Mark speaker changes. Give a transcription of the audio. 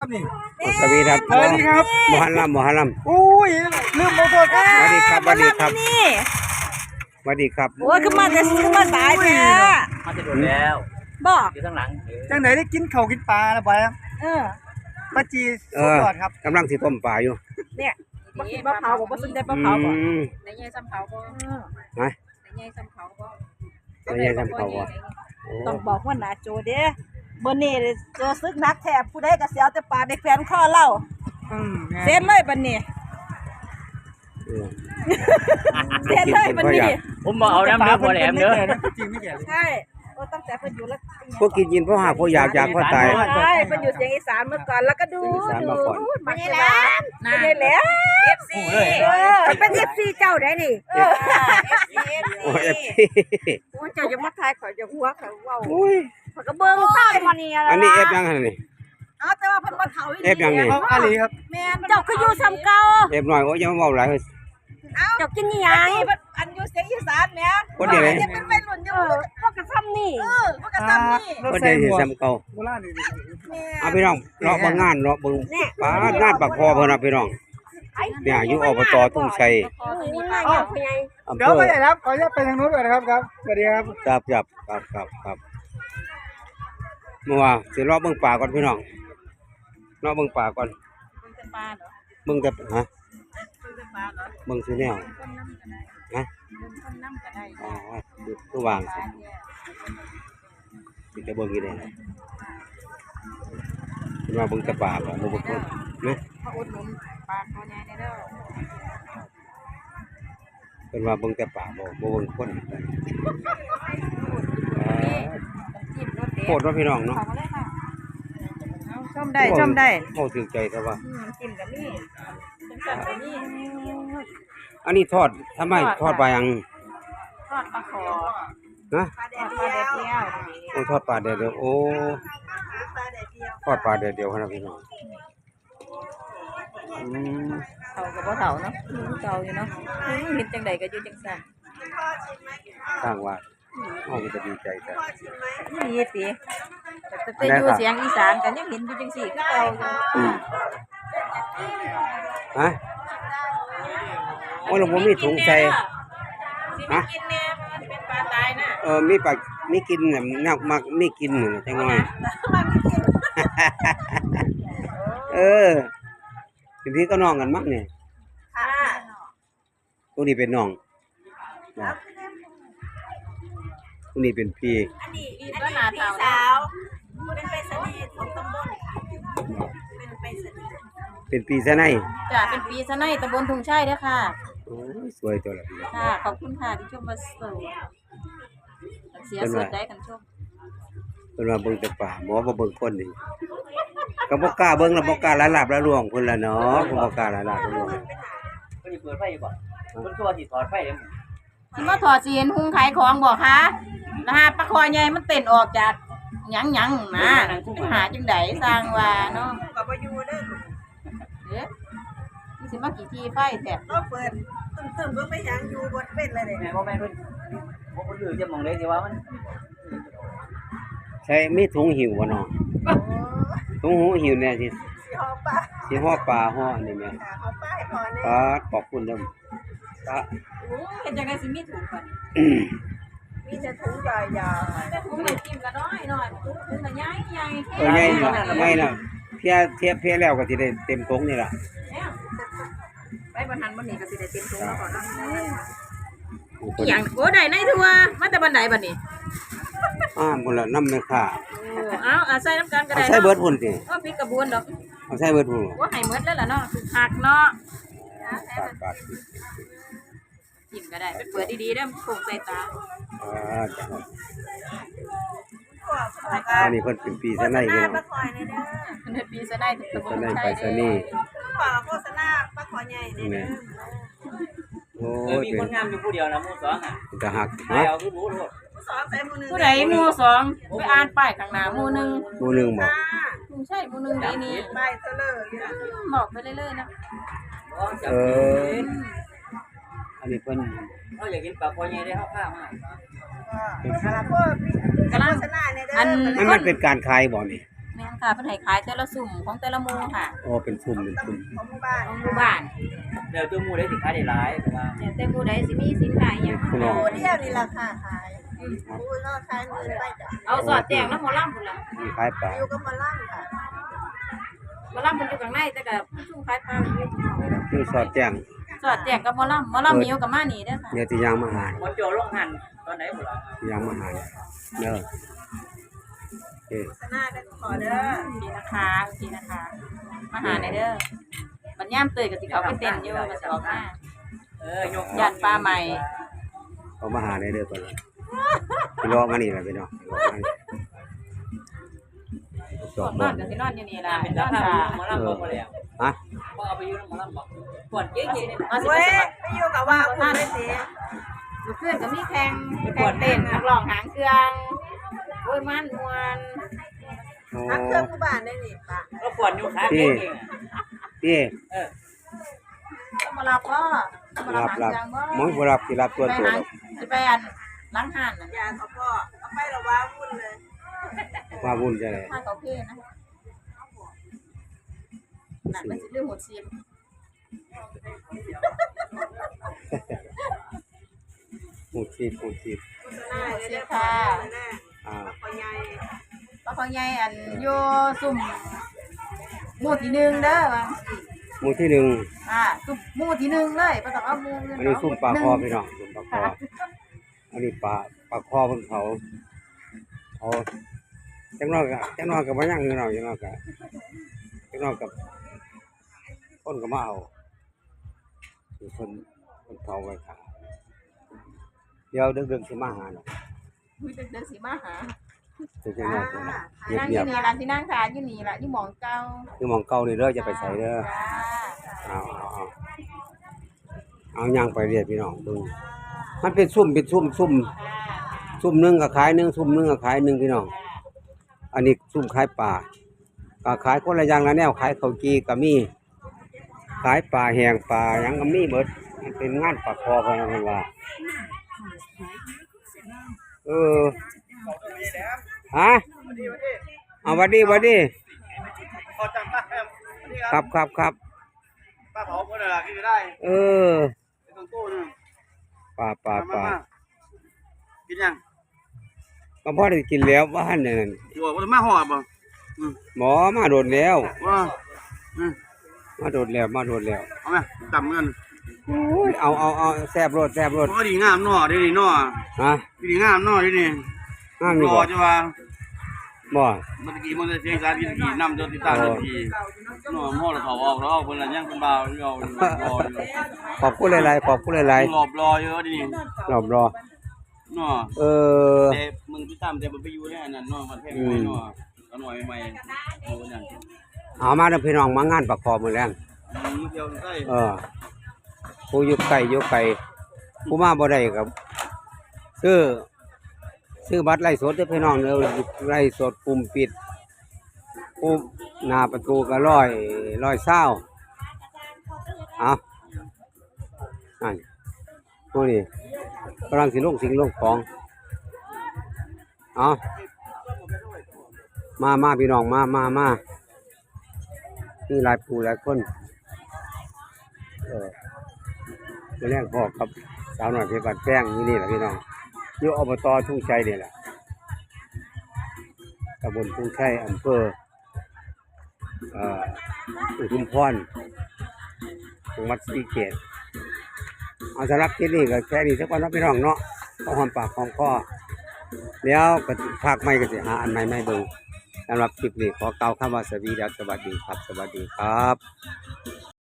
Speaker 1: นี่
Speaker 2: สวัสดีครับ
Speaker 1: สวัสดีครับ
Speaker 2: มหันลัมมหันลัม
Speaker 1: อุ้ยลืมโมโตครับ
Speaker 2: สวัสดีครับสวัสดีครับ
Speaker 3: นี่
Speaker 2: สวัสดีครับ
Speaker 3: โอ้ยขึ้นมาแต่ขึ้นมาสายแท้
Speaker 4: มาจะโดนแล้ว
Speaker 3: บอก
Speaker 4: อยู่ข้างหลัง
Speaker 1: จังไหนได้กินข้าวกินปลาแล้วไปครับ
Speaker 3: เออ
Speaker 1: ปลาจี
Speaker 2: เอ
Speaker 1: สุด
Speaker 2: อย
Speaker 1: อดครับ
Speaker 2: กำลังสิต้มปลาอยู่
Speaker 3: เนี่ยบ่กินมะพร้าวบ่สนใจมะพร้าวบ่
Speaker 2: อืม
Speaker 5: ในใหญ่ซ้ำเขาบ่
Speaker 2: ฮะ
Speaker 5: ในใหญ่ซ้ำเขาบ่
Speaker 2: ไม่ใช่ทำเขาบ่โอ้
Speaker 3: ต้องบอกว่าหนาโจเด้บ่นี่เจอซึกนักแทบผู้ใดก็สิเอาแต่ปลาไปแขวนคอเล่า เซ็นเลยบัดนี้
Speaker 2: เออ
Speaker 3: เซ็นเลยบัดนี้
Speaker 4: ผมบอกเอาน้ำเนื้อพอแหลมเด้อ
Speaker 1: จริงไม่แก่เลย
Speaker 3: ใช่โอ้ตั้งแต่เพิ่นอยู่แล้ว
Speaker 2: พวกกินเพราะหาพวกอยากเพราะตาย
Speaker 3: ใช่เพิ่นอยู่เสียงอีสานเมื่อก่อนแล้วก็ดู
Speaker 2: เสียงอีสานมาก่อน
Speaker 3: ไม่ใช่แล้วไม่ใช่แล้ว FC เป็น FC เจ้าได้นี่
Speaker 2: โอ้เอฟซี
Speaker 3: โอ้เจ้าจะมาทายข่อยจะหัวข่อยเว้า
Speaker 2: โอ้ย
Speaker 3: ข่อยก็เบิ่งตามมานี่
Speaker 2: อันนี้เอฟยังไงนี่
Speaker 3: เอาแต่ว่าเพิ่นบ่เฒ่าอีหลี
Speaker 2: เอฟยังนี่
Speaker 1: เขาอาลีครับ
Speaker 3: แม่นเจ้าคืออยู่ซ้ำเก่า
Speaker 2: เอฟหน่อยโอ้ยอยังมาเบาหลายเลย
Speaker 3: เจ้ากินอีหยังอันอยู่เสียงอีสานแหม่
Speaker 2: คนเดียวเลย
Speaker 3: จะเป็นวัยรุ่นอยู่พวกกระซ้ำนี่พวกกระซ้ำนี่
Speaker 2: คนเดียวสิซ้ำเก่า
Speaker 1: โบราณนี่
Speaker 2: เอาพี่น้องเลาะเบางงานเลาะเบางปลางานปากคอเพิ่นเอาพี่น้องเนี่ยอยู่อบตทุ่งชัย
Speaker 5: พอตัวนี้ไป
Speaker 3: อ๋อ
Speaker 2: อำเภ
Speaker 1: เดี๋ยว
Speaker 2: อ
Speaker 1: ไปไหนครับขออนุญาตไปทางนู้นก่อนนะครับครับสวัสดีครับ
Speaker 2: ครับเมื่อวานสิเลาะเบิ่งป่าก่อนพี่น้องเลาะเบิ่งป่าก่อน
Speaker 5: คนจะปลาเหรอ
Speaker 2: เบิ่งแต่ฮะ
Speaker 5: คนจะปลาเหรอ
Speaker 2: เบิ่งซื้อแนว
Speaker 5: คนน้ำก็ได้
Speaker 2: ฮะ
Speaker 5: คนน้ำก็ได้
Speaker 2: อ๋อคือวาง
Speaker 5: ป
Speaker 2: สิ
Speaker 5: ลาเนี่ย
Speaker 2: สิจะเบิ่งอีได้เพิ่นว่าเบิ่งแต่ป่าบ่บ่เบิ่งคนนะ
Speaker 5: มาอุดหนุนปลาตัวใหญ่เด้อ
Speaker 2: เพิ่นว่าเบิ่งแต่ป่าบ่เบิ่งคน
Speaker 5: จิ้มรสเด็ด
Speaker 2: โคตรว่าพี่น้องเนาะ
Speaker 5: ขอมาเลยค่ะ
Speaker 3: ชมได้ชมได้
Speaker 2: โอ้ถึงใจแต่ว่า
Speaker 3: น้ำจิ้มกับนี่
Speaker 5: จังสั่นก็มี
Speaker 2: อันนี้ทอดทำไมทอดปลายัง
Speaker 5: ทอดปลาขอ
Speaker 2: ฮะ
Speaker 5: ทอดปลาแดดเดียว
Speaker 2: โอ้ทอดปลาแดดเดียวโอ้ทอดปลาแดดเดียวครับพี่น้องอืม
Speaker 5: เฒ่ากับบ่เฒ่าเนาะเฒ่าอยู่เนาะเห็นจังใดก็อยู่จังสั่น
Speaker 2: สร้างว่าเฮาก็จะดีใจแต่
Speaker 5: ดีสิแต่อยู่เสียงอีสานก็ยังเห็นอยู่จังซี่คือเก่าอยู่
Speaker 2: ฮะโอ้ยเราบ่มีถุงใส่ ฮะ
Speaker 5: กินแน่มันเป็นปลาตายน่ะ
Speaker 2: มีปลามีกินน่ะนักมักมีกินน่ะจังหน่อยเออเป็นพี่ก็น้องกันมั้งเนี่ย
Speaker 3: ค่ะ
Speaker 2: ตัวนี้เป็นน้องนะตัวนี้เป็นพี่
Speaker 3: อันนี้
Speaker 5: นี่ก็หน้าเฒ่า
Speaker 3: สาวเป็นไปรษณีย์ของตำบลเป็นไปรษณีย์
Speaker 2: เป็นปีซะไหน
Speaker 5: จ้ะเป็นปีซะในตำบลทุ่งชัยเด้อค่ะ
Speaker 2: โอ้ยสวยตัวละพี่
Speaker 5: ค่ะ ขอบคุณค่ะที่ชมมาสู่เสียส่วนได้กันชม
Speaker 2: เพิ่นว่าเบิ่งแต่ป่าหมอบ่เบิ่งคนนี่ก็บ่กล้าเบิ่งแล้วบ่กล้าละลาบละล่วงเพิ่นล่ะเนาะก็บ่กล้าละลาบละล่วง
Speaker 4: เพิ่นสิเปิดไฟอยู่บ่เพิ่นคือว่าสิถอดไฟเด้อ
Speaker 5: สิมาถอดสิเห็นหุงขายของบ่คะนะฮะปลาคอใหญ่มันเต้นออกจากหยังนะหาจังไดสร้างว่าเนาะ
Speaker 3: ก็บ่อยู่เด้อ
Speaker 5: เด้นี่สิมากี่ทีไฟแท้
Speaker 3: เราเปิดตึ้มๆเบิ่งไปหยังอยู่บนเป็นเลยเด้
Speaker 4: แม่บ่แม่นเพิ่นบ่เพิ่นลือจะมองได้สิว่ามัน
Speaker 2: ใช่มีถุงหิวบ่เนาะถุงหูหิวเนี่ยสิ
Speaker 3: สิหอปลา
Speaker 2: สิห่อปลาห่ออันนี้แม่
Speaker 3: หอปลาให้พอแน่
Speaker 2: ปลาขอบคุณเด้อปลา
Speaker 5: เห็นจังได๋สิมีถุงก่อน
Speaker 3: มีแต่ถุงใหญ่
Speaker 5: แต่ถุงมันกินก็น้อยถุงก็ใหญ่
Speaker 2: เออใหญ่เนาะใหญ่เนาะเพียแล้วก็สิได้เต็มถุงนี่ล่ะ
Speaker 5: ไปบ่ทันบ่นี่ก็สิได้เต็มถุงแล้วก่อนเนาะ
Speaker 2: อี
Speaker 5: อีหยังโอ้ได้ในทัวมาแต่บันไดบัดนี้
Speaker 2: พุ่นละน้ำแม่ค้า
Speaker 5: เอาใส่น้ำกันก็
Speaker 2: เอา
Speaker 5: ได้
Speaker 2: ใส่เบิดพุ่นสิ
Speaker 5: พริกกระบวนดอก
Speaker 2: เอาใส่เบิดพุ่น
Speaker 5: ว่าให้หมดแล้วล่ะเนาะคือผักเนาะ
Speaker 2: บาท
Speaker 5: จิ้มก็ได้เป็นเปิดดีๆเด้อโป่งใส่ตา
Speaker 2: จ้ะอันนี้เพิ่นเป็นปีซะไหนพี่น้อง
Speaker 3: ปลาคอยในเด้อ
Speaker 5: เพิ่นปีซะได้ตะบ
Speaker 2: ซะ
Speaker 5: น
Speaker 2: ไหน
Speaker 5: ใช่
Speaker 2: ไปซะนี่
Speaker 3: ขอโฆษณาปลาคอยใหญ่ในเด้อ
Speaker 2: โอ้
Speaker 4: มี
Speaker 2: ยเป็
Speaker 4: คน นงามอยู่ผู้เดียวนะหมู่สองอ่ะ
Speaker 2: เป็นตาหัก
Speaker 4: ให้
Speaker 2: ฮะ
Speaker 4: เอาคือรู้โลด
Speaker 3: สอนใส่มือนึง
Speaker 5: ผู้ใดหมู่สองไปอ่านป้ายข้างหน้าหมู่หนึง
Speaker 2: หมู่หนึงบอก
Speaker 5: ใช่หมู่หนึงดีนี่
Speaker 3: ใบเตลออยู่นะ
Speaker 5: บอกไปเรื่อยๆนะ
Speaker 2: เอออันนี้เพิ่น
Speaker 4: เขาอยากกินปลาคอใหญ่ได้เฮาพามา
Speaker 3: คาราโพดโฆษณาในเด้อ
Speaker 2: มันเป็นการขายบ่นี่
Speaker 5: แม่นค่ะเพิ่นให้ขายแต่ละสุ่มของแต่ละหมู่ค่ะ
Speaker 2: อ๋อเป็นซุ่มเป็นซุ่ม
Speaker 3: ของหมู่บ้าน
Speaker 5: ของหมู่บ้าน
Speaker 4: เดี๋ยวตัวหมูได้สิขายได้หลายแต่ว่า
Speaker 5: แต่หมู่ใดสิมีสินค้าอิหยัง
Speaker 2: พี่น้อง
Speaker 3: ผู้เดียวนี่ราคาขายผู้นอกขายมือไปจ้ะ
Speaker 5: เอาสอดแจ้งแล้วหมอลำพุ่นล่ะ
Speaker 2: มีขายปลา
Speaker 3: อยู่กับหมาล่ำค่ะ
Speaker 5: หมอลำเพิ่นอยู่ข้างในแต่ก็ผู้ซุ่มขายปลาอยู่ข้างนอก
Speaker 2: คือสอดแจ้ง
Speaker 5: สอดแจ้งกับหมอลำมีอยู่กับมานี่เด้อค่ะ
Speaker 2: เดี๋ยวสิย่างมาหา
Speaker 4: หมดโจลงหันตอนไหนบ่ล่ะ
Speaker 2: สิย่างมาหาเด้อโอเค
Speaker 3: ชนะได้ขอเด้อ
Speaker 5: ดีนะคะดีนะคะ มาหาในอยเด้อบัดย่ามเตยก็สิเขาไปเต้นอยู่ก็สิออกมา
Speaker 4: ยก
Speaker 5: ย่านปลาใหม่
Speaker 2: เอามาหาในเด้อก่อนพี่รอมานี่ล่ะพี่น้องส
Speaker 5: พ
Speaker 2: อ
Speaker 5: ว
Speaker 2: บ
Speaker 5: กน
Speaker 2: บ่
Speaker 5: อนก็สินอนอยู่นี่ล่ะ
Speaker 4: เป็น
Speaker 5: น
Speaker 4: รา
Speaker 5: อน
Speaker 4: คา
Speaker 5: ค่ะ
Speaker 4: หมอลำบ่แล้ว
Speaker 2: ฮะ
Speaker 4: บ่เอาไปอยู่หมอลำบ่ปวดเก๋ๆนี่
Speaker 5: มาสิ
Speaker 3: เว้
Speaker 5: ไป
Speaker 3: ย
Speaker 5: สมัคร
Speaker 3: ไปอยู่กับว่าคุณไม่เสีย
Speaker 5: อยู่เพื่อนก็มีแข่งเต้นนักร้องหางเครื่องโอ้ยมันม่วน
Speaker 2: อ๋อ
Speaker 3: ทักเครื่องหมู่บ้านได้นี่ป่ะ
Speaker 4: ก็ปวดอยู่ขาเก๋ง
Speaker 2: พี่
Speaker 5: ต้องมารับบ่ต้องมา
Speaker 2: รั
Speaker 5: รับบ หาง
Speaker 2: รับ
Speaker 5: เครื่องบ่
Speaker 2: หมองบ่รับสิรับตัว
Speaker 5: ไป
Speaker 2: ตัว
Speaker 5: หางสิไปอันล้างห่านน่ะ
Speaker 3: ยาเขาพ่อเอาไปละว่าวุ่นเลย
Speaker 2: ว่าวุ่นจะได้
Speaker 5: ถ้าเขาเพนะนั่นมันสิเรื่องหมดซีม
Speaker 2: หูชีพหูชีพ
Speaker 3: หน้าเลยได้ค่ะแน่
Speaker 2: อ่า
Speaker 3: ปอใหญ่
Speaker 5: ปลาคอใหญ่อันอยู่ซุ่มหมู่ที่หนึ่งเด้อว่า
Speaker 2: หมู่ที่หนึ่ง
Speaker 5: ซุ่มหมู่ที่หนึ่งเลยบ่ต้องเอาหมู่อื่น
Speaker 2: อันนี้ซุ่มปลาคอพี่น้องซุ่มปลาคออันนี้ปลาคอเพิ่นเขาจังน้อยก็บ่ยังพี่น้องจังน้อยกับคนก็มาเอาคือเพิ่นเผาไว้ค่ะเดี๋ยวดึกๆสิมาหาเนาะ
Speaker 5: อุ้ยเดินสิมาหา
Speaker 2: คือจังน้อยพุ่นน่ะเ
Speaker 5: นั่งอ
Speaker 2: งีย
Speaker 5: ยู่
Speaker 2: บ
Speaker 5: นี่ล่ะสินั่งทานอยู่นี่ล่ะอยู่หม่องเก่า
Speaker 2: ๆคือหมองเก่านี่เด้ออย่าไปใส่เด้อ
Speaker 5: จ้า
Speaker 2: เอาย่างไปเรื่อยพี่น้องเบิ่งมันเป็นซุ่มซุ่มหนึงก็ขายหนึงซุ่มหนึงก็ขายหนึงพี่น้องอันนี้ซุ่มขายปลาก็ขายคนละอย่างละแนวขายข้าวจีก็มีขายปลาแห้งปลาหยังก็มีหมดมันเป็นงานปลาคอเพิ่นว่าฮะเอาหวัดดี
Speaker 1: ขอจังป้าครับ
Speaker 2: ครับ
Speaker 1: ป้าเผาคนละกินได้
Speaker 2: เออ
Speaker 1: ตรงตู้นึง
Speaker 2: ปลา
Speaker 1: กินยัง
Speaker 2: ก็พอได้กินแล้วบ้านนั่น
Speaker 1: อยู่ว่ามาห่อบ่
Speaker 2: หมอมาโดนแล้ว
Speaker 1: ว่า
Speaker 2: มาโดนแล้ว
Speaker 1: เอาไหมต่ำเงิน
Speaker 2: โอ้ยเอาแซ่บรส
Speaker 1: พอดีงามหน่อดีหน่อ
Speaker 2: ฮะ
Speaker 1: ดีงามหน่อดีนี่
Speaker 2: ห้ามอยู่
Speaker 1: รอ
Speaker 2: บ่
Speaker 1: จะว่า
Speaker 2: บ่
Speaker 1: เมื่อกี้มันจะเสียงสารกินกี่น้ำจนติดตามทีหน่อหม้อเราเผาออกแล้วเพิ่นละยังเป็นบ่าวรออยู่
Speaker 2: ขอบคุณหลายๆ
Speaker 1: หลบรอเยอะดิ
Speaker 2: รอบรอ
Speaker 1: หน่อ
Speaker 2: เออ
Speaker 1: แต่มึงติดตามแต่มันไปอยู่แน่นั่นหน่อมันแพงไม่หน่อหน่อยใหม่โอ้ยัง
Speaker 2: เอามาเด้อพี่น้องมางานประกอบมื้อแลง
Speaker 1: เที่ยวใต้
Speaker 2: ผู้อยู่ไกลผู้มาบ่ได้ก็ซื้อบัตรไล่สดเด้อพี่น้องเด้อไล่สดกลุ่มปิดผู้หน้าประตูก็120เอานั่นผู้นี้กำลังสิลงสิ่งลงของเอามาพี่น้องมามีหลายผู้หลายคนแรกพ่อกับสาวหน่อยเพชรบานแป้งนี่แหละพี่น้องอยู่อบตทุ่งชัยนี่แหละตำบลทุ่งชัยอำเภออุทุมพรจังหวัดศรีเกษเอาสำหรับคลิปนี้ก็แค่นี้สักวันนะพี่น้องเนาะพอหอมปากหอมคอแล้วก็ภาคใหม่ก็สิหาอันใหม่ไม่เบิ่งสำหรับคลิปนี้ขอกล่าวคำว่าสวัสดีครับสวัสดีครับ